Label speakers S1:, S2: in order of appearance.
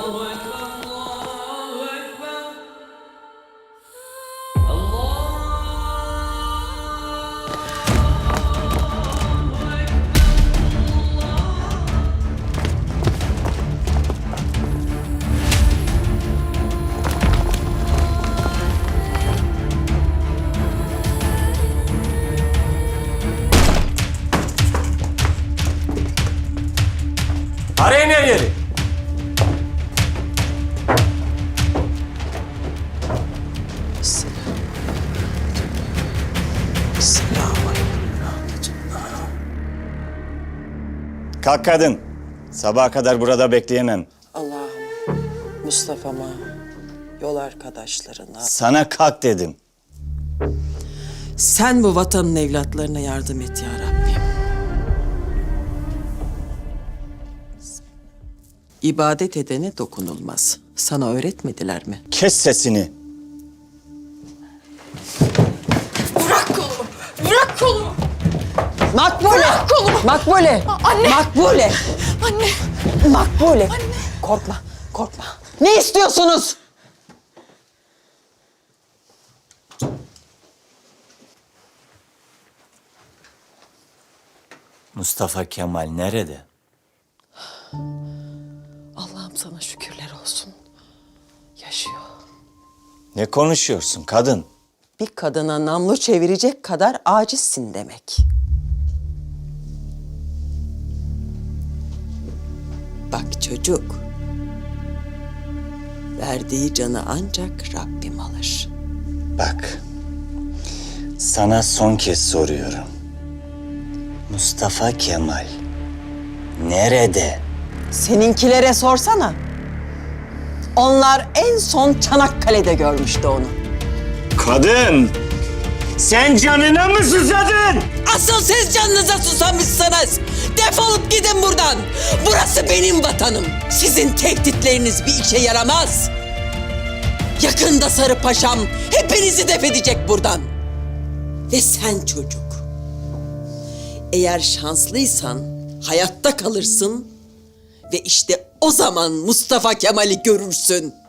S1: Arayın her yeri. Kalk kadın. Sabaha kadar burada bekleyemem.
S2: Allah'ım, Mustafa'ma, yol arkadaşlarına...
S1: Sana kalk dedim.
S2: Sen bu vatanın evlatlarına yardım et ya Rabbim. İbadet edene dokunulmaz. Sana öğretmediler mi?
S1: Kes sesini.
S3: Bırak kolumu! Bırak kolumu!
S2: Makbule!
S3: Bırak kolumu!
S2: Makbule!
S3: Anne!
S2: Makbule!
S3: Anne!
S2: Makbule!
S3: Anne!
S2: Korkma, korkma. Ne istiyorsunuz?
S1: Mustafa Kemal nerede?
S2: Allah'ım sana şükürler olsun. Yaşıyor.
S1: Ne konuşuyorsun kadın?
S2: Bir kadına namlu çevirecek kadar acizsin demek. Bak çocuk. Verdiği canı ancak Rabbim alır.
S1: Bak. Sana son kez soruyorum. Mustafa Kemal nerede?
S2: Seninkilere sorsana. Onlar en son Çanakkale'de görmüştü onu.
S1: Kadın! Sen canına mı susadın?
S2: Asıl siz canınıza susamışsınız. Defolup gidin buradan. Burası benim vatanım. Sizin tehditleriniz bir işe yaramaz. Yakında Sarı Paşam hepinizi def edecek buradan. Ve sen çocuk. Eğer şanslıysan hayatta kalırsın ve işte o zaman Mustafa Kemal'i görürsün.